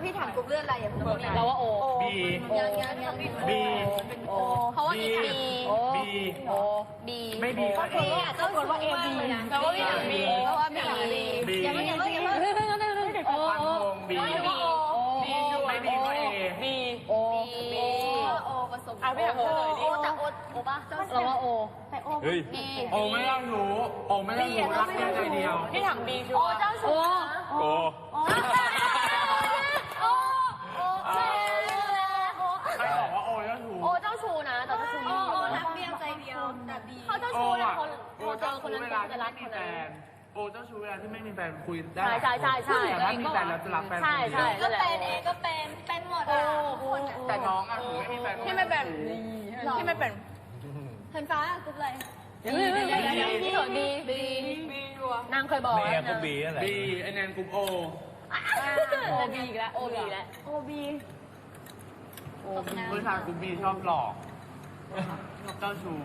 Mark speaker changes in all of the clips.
Speaker 1: พี่ถามกลุ่มเลือดอะไรอย่าเพิ่งบอก
Speaker 2: เราว่าโอ
Speaker 3: บี
Speaker 1: ยัง
Speaker 3: บี
Speaker 2: โอ
Speaker 1: เพราะว่าพี่ถาม
Speaker 3: บี
Speaker 2: โอ
Speaker 1: บี
Speaker 3: ไม่บีก็เอ
Speaker 1: อ่ะเจ้าชู้ว่าเอบีนะเพราะว่าพี่ถามบีเพราะว่าพี่ถามบีอย่าเพิ่งอย่าเพิ่งอย่าเพิ่ง
Speaker 2: โอ
Speaker 3: ฟันธงบี
Speaker 1: ไม่บี
Speaker 3: บีไม่บีก็เอ
Speaker 2: บีโอ
Speaker 1: บีโอผสม
Speaker 2: อ่ะพี่ถามเธอหน่อยดิ
Speaker 1: โอแต่โอป่ะ
Speaker 2: เราว่าโอ
Speaker 1: แต่โอ
Speaker 4: เฮ้ย
Speaker 1: บี
Speaker 3: โอไม่ต้องรู้โอไม่ต้องรู้รักเพียงใจเดียว
Speaker 2: พี่ถามบีชัว
Speaker 1: โอ
Speaker 2: ร์
Speaker 1: เจ้าชู้
Speaker 4: โอ้
Speaker 1: โอโอ
Speaker 3: ใครบอกว่าโอเจ้าชู้
Speaker 1: โอเจ้าชู้นะแต่เจ้าชู้โอรักเดียวใจเดียวแต่บีเขาเจ้า
Speaker 3: โอ
Speaker 1: ชู้นะ
Speaker 3: อ่ะ
Speaker 1: คน
Speaker 3: โอ
Speaker 1: เจ
Speaker 3: เจ้า
Speaker 1: อคน
Speaker 3: ชู้
Speaker 1: นั้น
Speaker 3: เวลา
Speaker 1: จะ
Speaker 3: ที่
Speaker 1: รั
Speaker 3: ไม่
Speaker 1: กค
Speaker 3: มี
Speaker 1: น
Speaker 3: แฟ
Speaker 1: นั้น
Speaker 3: นโอเจ้าชู้เวลาที่ไม่มีแฟนคุยได้
Speaker 2: ใช่ใช่ใช่
Speaker 3: แต่ถ้ามีแฟนแล้วจะรักแฟนคนเดียว
Speaker 2: ใช่
Speaker 1: ก็เป็นเอก็เป็นหมดอ่ะคนอ่ะ
Speaker 3: แต่น้องอ่ะถึงไม่มีแฟน
Speaker 2: ที่ไม่เป็นที่ไม่เป็น
Speaker 1: เห็นฟ้ากรุ๊ปอะไร
Speaker 2: ดีเหรอดีนางเคยบอก
Speaker 4: แม่
Speaker 2: แล้ว
Speaker 4: ก็
Speaker 2: นะ
Speaker 4: บีนั่นแหละ
Speaker 3: บีไอแนนกลุ่มโอ
Speaker 2: โอบีอีกแล้วโอบีแล้ว
Speaker 1: โอบี
Speaker 3: ผู้ชายกลุ่มบีชอบหลอกชอบเจ้าชู้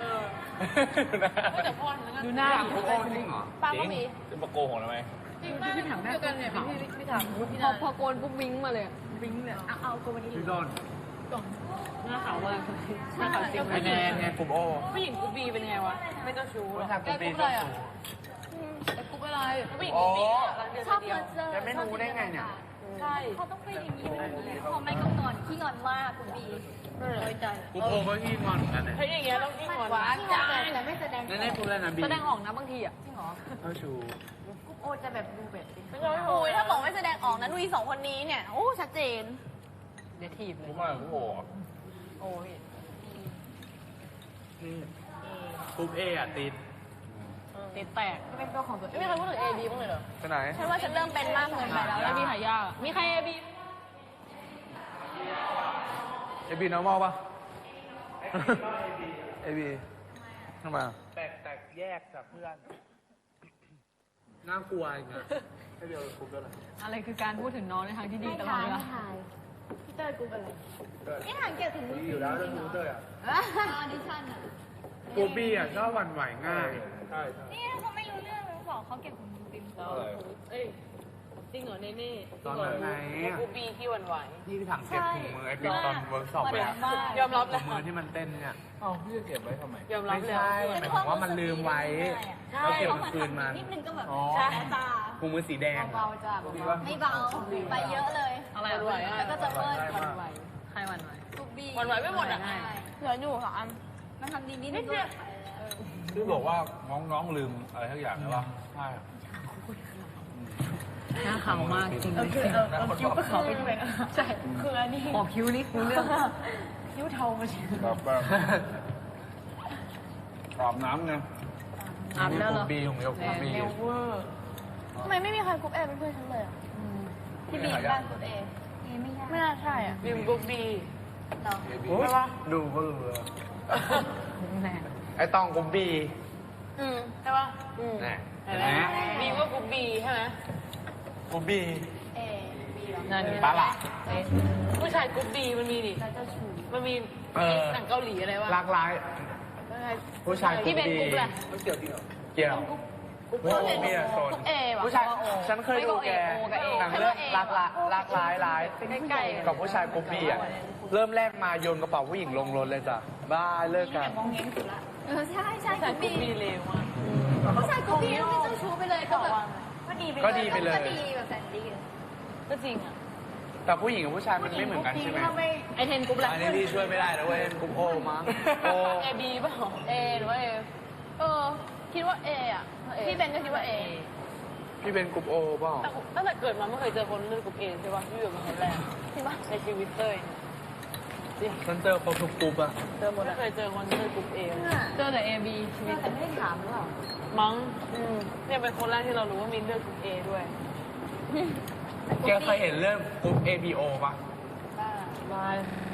Speaker 2: ดูหน้า
Speaker 3: อยากกลุ่มโอจริงเหรอ
Speaker 2: ป้าก็มี
Speaker 4: จะมาโกหกทำไม
Speaker 2: พี่ถามเดียวกันเนี่ยพี่ถามพอโกนปุ๊บวิ้งมาเลยวิ้งเลยเอาโกนวันนี้
Speaker 3: พี่โดน
Speaker 2: หน้าขาวมากหน้าขาวจริง
Speaker 3: ไอแนนไงกลุ่มโอ
Speaker 2: ผู้หญิงกูบีเป็นไงวะไม่เจ้าชู้
Speaker 3: ผู้ชายกลุ่มบีชอบชู้
Speaker 2: กูเป็นอะไรผู้หญิง
Speaker 3: โอ้
Speaker 2: กูบี
Speaker 1: ชอบเพอร์เจอร์
Speaker 3: จะไม่รู้ได้ไงเนี่ย
Speaker 2: ใช่
Speaker 1: เขาต้องเป็นอย่างนี้เขาไม่ก็งอนขี้งอนมากคุณบีน้อยใจ
Speaker 3: กลุ่มโอก็ขี้งอนเหมือนกันเนี่ย
Speaker 2: เฮ้ยอย่างเงี้ยต้องยิ่งหวาน
Speaker 1: จ้าแต่ไม่แสดง
Speaker 3: นั่นได้พูดแล้วนะบี
Speaker 2: แสดงออกนะบางทีอ่ะ
Speaker 3: เจ้าชู้
Speaker 1: โอจะแบบดูแบบ
Speaker 5: โอ้ยถ้าบอกไม่แสดงออกนะนุ้ยสองคนนี้เนี่ย โอ้ ชัดเจน
Speaker 2: เดี๋ยวถีบเล
Speaker 4: กู
Speaker 2: ย
Speaker 4: ว่ากูโอ้
Speaker 2: โอ้ย
Speaker 3: กลุ่มเออ่ะติด
Speaker 2: ติดแตกเป็นตัวของตัวเองไม่มีใครพูดถึง A B บ้างเลยเหรอ
Speaker 3: ไปไหน
Speaker 5: ฉันว่าฉันเริ่มเป็นมากเกินไปแล้ว
Speaker 2: แล้วมีใครยากมีใคร A B
Speaker 6: เอบีน้องมอลป่ะเอบีทำไม
Speaker 3: แตกแยกจากเพื่อน น่ากลัวอีกนะให้เดียวกลุ่มเดียวเลย
Speaker 2: อะไรคือการพูดถึงน้องในทางที่ดีตลอดเวลา
Speaker 1: พี่เตอร์กูอะไรนี่ถามเกี่ยวถึง
Speaker 3: ดีอยู่แล้วเรื่องรู้ด้วยอ่ะ
Speaker 1: ออดิชั่นอ่ะ
Speaker 3: กลุ่มบีอ่ะชอบหวั่นไหวง่าย ใช่
Speaker 1: นี่เขาไม่รู้เรื่องบอกเขาเก็บของติม
Speaker 2: เอ้ยจริงเหรอเน่เน่
Speaker 3: ตอนไหน
Speaker 2: กูบีที่หวั่นไหว
Speaker 3: พี่ถังเก็บถุงมือไอ้ปิ๊กตอนเวิร์กช็อปเลยอะ
Speaker 2: ยอมรับ
Speaker 3: ถุ
Speaker 2: แล้ว
Speaker 3: งมือที่มันเต้นเนี่ย
Speaker 4: เอ้าพี่จะเก็บไว้ทำไม
Speaker 2: ยอมรับ
Speaker 3: ไม่
Speaker 2: แล้ว
Speaker 3: ใช่หมายถึงว่ามันลืมไว้ แล้วเก็บมาคืนมัน
Speaker 1: นิดนึงก็แบบ
Speaker 2: ใช่
Speaker 1: ตา
Speaker 3: ถุงมือสีแดง
Speaker 2: เบาจ้า
Speaker 1: ไม่เบาไปเยอะเลย
Speaker 2: อะไรหวั่นไหว
Speaker 1: แล้วก็จะเบิ้ล
Speaker 2: หวั่นไหวใครหวั่นไหว
Speaker 1: ทุกบี
Speaker 2: หวั่นไหวไม่หมดอ่ะ
Speaker 5: เหลืออยู่ค่ะอัน
Speaker 1: มันทำดีนิดนึงด้วย
Speaker 4: พี่บอกว่าน้องลืมอะไรทั้งอย่างใช่ป่ะใช่
Speaker 2: หน้าขาวมากจริงเลยคิ้วก็ขาวไปด้วยใช่คืออันนี้ขอคิ้วนี่คือเรื่องคิ้วเทามาชิ
Speaker 4: แบบแบบอาบน้ำไง
Speaker 2: อาบแล้วเหรอ
Speaker 4: บีของเดียวกลุ่มบี
Speaker 2: เร็วเวอร์
Speaker 5: ทำไมไม่มีใครกรุ๊ปเอเป็นเพื่อนฉันเลยอะ
Speaker 1: ที่บีบ้านกูเอไม่ยาก
Speaker 5: ไม่น่าใช่อ่ะ
Speaker 2: บิมกูบี
Speaker 1: เนาะ
Speaker 3: ใช่ปะดูก็รู้แล้ว
Speaker 2: แน่
Speaker 3: ไอ้ตองกลุ่มบี
Speaker 2: ใช่ป่ะ
Speaker 3: แน่
Speaker 2: เห็นไหมบีก็กูบีใช่ไหม
Speaker 3: กลุ่มบี
Speaker 1: เอบี
Speaker 2: นั่น
Speaker 3: ปลาหละ
Speaker 2: ผู้ชายกูบีมันมีดิ
Speaker 1: แล้วเจ้าชู้
Speaker 2: มันมีหนังเกาหลีอะไรวะ
Speaker 3: หลากหลายผู้ชายกลุ่
Speaker 2: ที่
Speaker 3: ม
Speaker 2: เป็น
Speaker 3: บี
Speaker 2: กรุ๊ปแหละ
Speaker 3: เกี่ยวกลุ่มบีอะโซน
Speaker 5: เอว่ะ
Speaker 3: ผู้ชายฉันเคยดูแกหนังเรื่องหลากหลายหลาย
Speaker 2: ใกล้
Speaker 3: กับผู้ชายกรุ๊ปบีอ่ะเริ่มแรกมาโยนกระเป๋าผู้หญิงลงรถเลยจ้ะบ้าเลิกกัน
Speaker 1: ใช่ใช่
Speaker 2: แต่
Speaker 1: กู
Speaker 2: กู
Speaker 1: บี
Speaker 2: บีเร็วมาก
Speaker 1: ผู้ชายกูบีต้องเป็นเจ้าชู้ไปเลยก็แบบก็ดีไปเลยก็ดีแบบแสนดี
Speaker 2: ก็จริงอ่ะ
Speaker 3: แต่ผู้หญิงกับผู้ชายมันไม่เหมือนกันใช่ไหม
Speaker 2: ไอเทนกรุ๊ปแหละ
Speaker 6: อันนี้พี่ช่วยไม่ได้นะเว้ยกลุ่มโอมั้ง
Speaker 3: โอ้
Speaker 2: เอบีป่ะเอหรือว่าเอ
Speaker 5: คิดว่าเออ่ะ พี่เบนก็คิดว่าเอ
Speaker 3: พี่เป็นกลุ่มโอเปล่า
Speaker 2: แต่ตั้งแต่เกิดมาไม่เคยเจอคนเลือกกรุ๊ปเอใช่ป่ะพี่อยู่เป็นคนแรก
Speaker 5: จริงปะ
Speaker 2: ในชีวิตเต้ยจริง
Speaker 6: ฉันเจอคนทุกกลุ่มอะ
Speaker 2: เจอหมดไม่เคยเจอคนเลือกกรุ๊ปเอ
Speaker 1: เจอแต่เอบีชีวิตแต่ไม่ได้ถามหรือเปล่า
Speaker 2: มั้งเนี่ยเป็นคนแรกที่เรารู้ว่ามีเลือกกรุ๊ปเอด้วย
Speaker 3: แกเคยเห็นเรื่องกลุ่ม ABO ปะ
Speaker 2: บาย